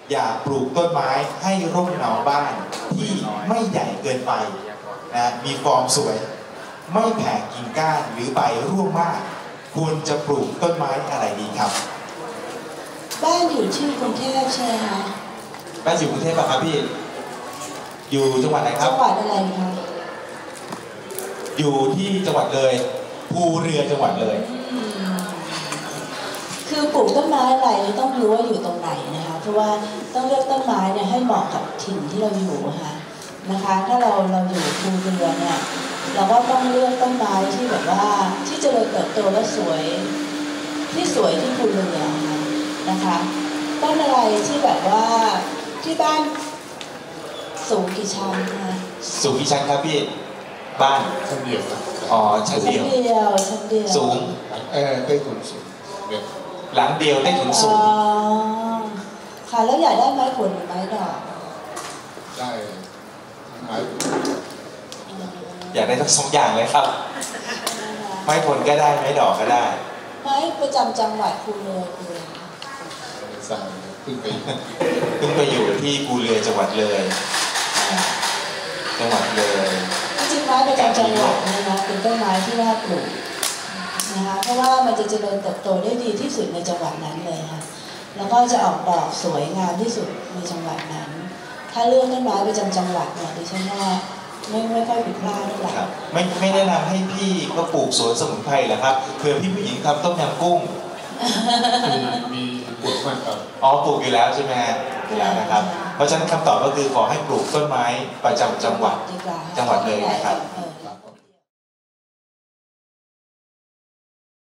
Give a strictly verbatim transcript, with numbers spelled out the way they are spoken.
อย่าปลูกต้นไม้ให้ร่มเงาบ้านที่ไม่ใหญ่เกินไปนะมีฟอร์มสวยไม่แผ่กิ่งก้านหรือใบร่วงมากควรจะปลูกต้นไม้อะไรดีครับบ้านอยู่ที่กรุงเทพใช่ไหมคะบ้านอยู่กรุงเทพป่ะครับพี่อยู่จังหวัดไหนครับจังหวัดอะไรคะอยู่ที่จังหวัดเลยภูเรือจังหวัดเลยคือปลูกต้นไม้อะไรต้องรู้ว่าอยู่ตรงไหนนะคะเพราะว่าต้องเลือกต้นไม้เนี่ยให้เหมาะกับถิ่นที่เราอยู่ค่ะนะคะถ้าเราเราอยู่ภูเรือเนี่ยเราก็ต้องเลือกต้นไม้ที่แบบว่าที่เจริญเติบโตและสวยที่สวยที่ภูเรือนะคะต้นอะไรที่แบบว่าที่บ้านสูงกี่ชั้นคะสูงกี่ชั้นครับพี่บ้านชั้นเดียวอ๋อชั้นเดียวชั้นเดียวชั้นเดียวสูงเออใต้ถุนสูงหลังเดียวใต้ถุนสูงค่ะแล้วอยากได้ไม้ผลหรือไม้ดอกได้ไม้อยากได้ทั้งสองอย่างเลยครับไม้ผลก็ได้ไม้ดอกก็ได้ไม้ประจำจังหวัดภูเรือภูเรือสายเพิ่งไปเพิ่งไปอยู่ที่ภูเรือจังหวัดเลยจังหวัดเลยจริงๆไม้ประจำจังหวัดนะคะเป็นต้นไม้ที่น่าปลูกนะคะเพราะว่ามันจะเจริญเติบโตได้ดีที่สุดในจังหวัดนั้นเลยค่ะแล้วก็จะออกดอกสวยงามที่สุดในจังหวัดนั้นถ้าเลือกต้นไม้ประจำจังหวัดเนี่ยดิฉันว่าไม่ไม่ค่อยผิดพลาดเท่าไหร่ไม่ไม่แนะนำให้พี่ก็ปลูกสวนสมุนไพรเหรอครับเผื่อพี่ผู้หญิงทำต้มยำกุ้งมีปลูกมากครับอ๋อปลูกอยู่แล้วใช่ไหมฮะแล้วนะครับเพราะฉะนั้นคำตอบก็คือขอให้ปลูกต้นไม้ประจำจังหวัดจังหวัดเลยนะครับ